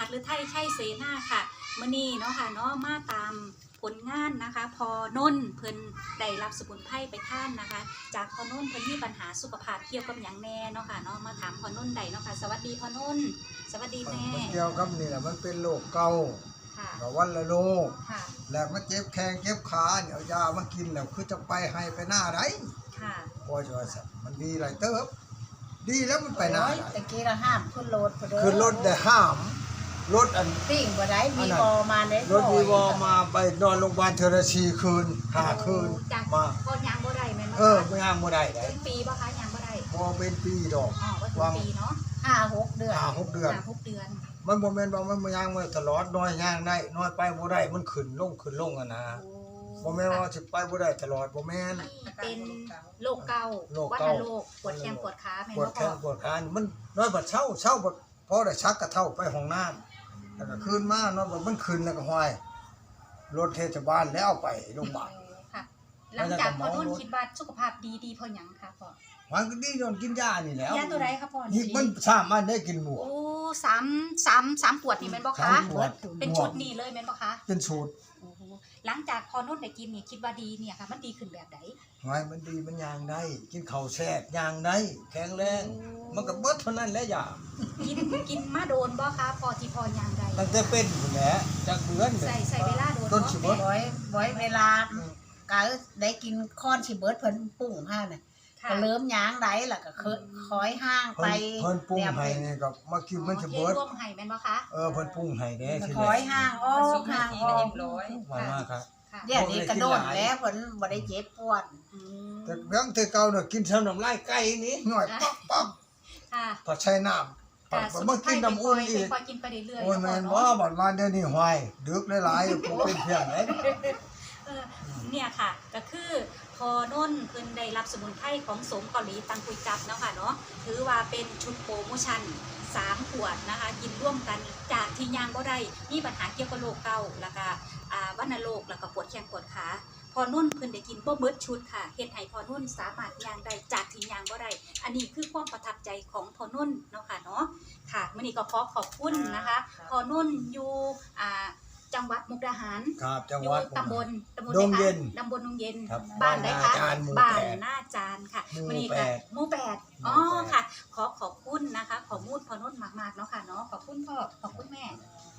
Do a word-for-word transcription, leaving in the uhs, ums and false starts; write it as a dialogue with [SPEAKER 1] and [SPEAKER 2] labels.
[SPEAKER 1] หรือไทยใช่เสนาค่ะมื้อนี้เนาะค่ะเนาะมาตามผลงานนะคะพอนนเพิ่นได้รับสมุนไพรไปท่านนะคะจากพอนนเพิ่นมีปัญหาสุขภาพเกี่ยวกับหยังแน่เนาะค่ะเนาะมาถามพอนนได้เนาะค่ะสวัสดีพอนนสวัสดีแม่
[SPEAKER 2] มันเกี่ยวกับนี่แหละมันเป็นโรคเก่า
[SPEAKER 1] ค่ะ
[SPEAKER 2] กับวันละโรค
[SPEAKER 1] ค่ะ
[SPEAKER 2] แล้วมันเจ็บแข้งเจ็บขาเนี่ยเอายามากินแล้วคือจะไปให้ไปหน้าไร
[SPEAKER 1] ค่ะ
[SPEAKER 2] พอจะว่าสัตว์มันดีหลายเติบดีแล้วมันไปหน้า
[SPEAKER 3] โอ้ย
[SPEAKER 2] ได้
[SPEAKER 3] ตะกี้เราห้ามขึ้นรถพอเด้อ
[SPEAKER 2] คือรถได้ห้ามรถอัน
[SPEAKER 3] ปิ้งบ่ได้มีบอมาได้
[SPEAKER 2] รถวีวอมาไปนอนโรงพยาบาลเทอร์ชีคืนห้าคืน
[SPEAKER 1] จาก
[SPEAKER 2] มา
[SPEAKER 1] พอยางบ่ได้แม่นบ่
[SPEAKER 2] เออไม่ห้ามบ่ได้ได้
[SPEAKER 1] เป็นปีบ่คะยางบ่ได้
[SPEAKER 2] พอเป็นปีดอก
[SPEAKER 1] อ๋อว่าถึงปีเนาะ
[SPEAKER 3] ห้าหกเดือน
[SPEAKER 2] ห้าหกเดือน
[SPEAKER 1] ห้าหกเดือน
[SPEAKER 2] มันบ่แม่นว่ามันบ่ย่างมาตลอดน้อยย่างได้น้อยไปบ่ได้มันขึ้นลงขึ้นลงอะนะบ่แม่นว่าสิไปบ่ได้ตลอดบ่แม่น
[SPEAKER 1] เป็นโรคเก่า
[SPEAKER 2] โรค
[SPEAKER 1] วัณ
[SPEAKER 2] เก่า
[SPEAKER 1] โรคปวดแขนปวดขาแม่น
[SPEAKER 2] ปวด
[SPEAKER 1] บ่
[SPEAKER 2] แข
[SPEAKER 1] พ่อน
[SPEAKER 2] ปวดขานี่มันน้อยบัดเช้าเช้าบัดพอได้ชักกระเท่าไปห้องน้ำแล้วก็คืนมาน้อยบัดมันขึ้นแล้วก็ห้อยรถเทศบาลแล้วเอาไปโรงพยาบาล
[SPEAKER 1] ค่ะ หลังจากพอนุ่นคิดว่าสุขภาพดีดีเพราะหยังคะพ่อ
[SPEAKER 2] มันก็ดีโดนกินยานี่แหล้ว
[SPEAKER 1] ยาตัวใดคะพ่อ
[SPEAKER 2] นี่มันสามารถได้กินหมู
[SPEAKER 1] โอ้สามสามสามปวดนี่แม่นบ่
[SPEAKER 2] สา
[SPEAKER 1] คะ
[SPEAKER 2] มขวด
[SPEAKER 1] เป็นชุดนี้เลยแม่นบ่คะ
[SPEAKER 2] เป็นสูตร
[SPEAKER 1] โอ้โหหลังจากพอนุ่นได้กินนี่คิดว่าดีเนี่ยค่ะมันดีขึ้นแบบใด
[SPEAKER 2] ไว้มันดีมันยางได้ กินข้าวแซ่บยางได้แข็งแรง มันก็เบิดเท่านั้นแหละยา
[SPEAKER 1] กินกินมาโดนบ่คะพอที่พอยางใด
[SPEAKER 2] ตั้งแต่เป็นพุ่นแหละจักเดือน
[SPEAKER 1] ใส่ใส่เวลาโดน
[SPEAKER 2] ต้น
[SPEAKER 1] เนาะ
[SPEAKER 2] สิเบิด
[SPEAKER 3] ไว้ไว้เวลากะได้กินค้อนสิเบิดเพิ่นปุ้งห้าน่ะ
[SPEAKER 1] ค่ะ
[SPEAKER 3] ก็เริ่มย้างได้ล่ะก็เคยคอยห้างไป
[SPEAKER 2] เพิ่นเพิ่นปรุงให้นี่ก็มากินมันจะเบิด
[SPEAKER 1] ร่วมให้แม่นบ่คะ
[SPEAKER 2] เออเพิ่นปรุงให้เด้ที
[SPEAKER 3] ค
[SPEAKER 2] แร
[SPEAKER 3] อย
[SPEAKER 2] ก
[SPEAKER 3] ห้างออกห้างออก
[SPEAKER 2] หวานมากครับ
[SPEAKER 1] ค่ะ
[SPEAKER 3] เดี๋ยวนี้กระโดดแล้วเพิ่นบ่ได้เจ็บปวด
[SPEAKER 1] อืม
[SPEAKER 2] แต่เรื่องแต่เก่าน่ะกินซ้ำน้ำลายไก่นี่หน่อยป๊อกป๊อก
[SPEAKER 1] ค่ะ
[SPEAKER 2] พอใช้น้ำปัดบ่มากินน้ำอุ่นอีก
[SPEAKER 1] คอยกินไปเรื่อยๆ
[SPEAKER 2] โอ้ยแม่นบ่บัดมาเดี๋ยวนี้ห้อยดึกหลายๆผมเป็นเพี้ยนเด้
[SPEAKER 1] เออเนี่ยค่ะก็คือพอนุ่นเพิ่นได้รับสมุนไพรของสมเกาหลีตังกุยจับเนาะค่ะเนาะถือว่าเป็นชุดโปรโมชั่นสามขวดนะคะกินร่วมกันจากที่ยางบ่ได้มีปัญหาเกี่ยวกับโรคเกาต์แล้วก็อ่าวัณโรคแล้วก็ปวดแขนปวดขาพอนุ่นเพิ่นได้กินบ่เบิดชุดค่ะเฮ็ดให้พอนุ่นสามารถยางได้จากที่ยางบ่ได้อันนี้คือความประทับใจของพอนุ่นเนาะค่ะเนาะค่ะมื้อนี้ก็ขอขอบคุณนะคะพอนุ่นอยู่อ่าจังหวัดมุกดาหาร
[SPEAKER 2] ครับจัง
[SPEAKER 1] อ
[SPEAKER 2] ห
[SPEAKER 1] ยู่
[SPEAKER 2] วัด
[SPEAKER 1] ตำบลตำบล
[SPEAKER 2] ดงเย็น
[SPEAKER 1] ตำบลดงเย็น
[SPEAKER 2] ครับ
[SPEAKER 1] บ้านไหนคะ
[SPEAKER 2] บ้านนาจารย์หมู่
[SPEAKER 1] บ้า
[SPEAKER 2] แป
[SPEAKER 1] น
[SPEAKER 2] ด
[SPEAKER 1] หน้าจานค่ะ
[SPEAKER 2] หมู่
[SPEAKER 1] วันนี้
[SPEAKER 2] แป
[SPEAKER 1] ค่ะ
[SPEAKER 2] ด
[SPEAKER 1] หมู่แปด
[SPEAKER 2] หมู่
[SPEAKER 1] อ๋อ
[SPEAKER 2] แปด
[SPEAKER 1] ค่ะ ขอขอบคุณนะคะ ขอมูดพอนุ่นมากๆเนาะค่ะเนาะขอบคุณพ่อขอบคุณแม่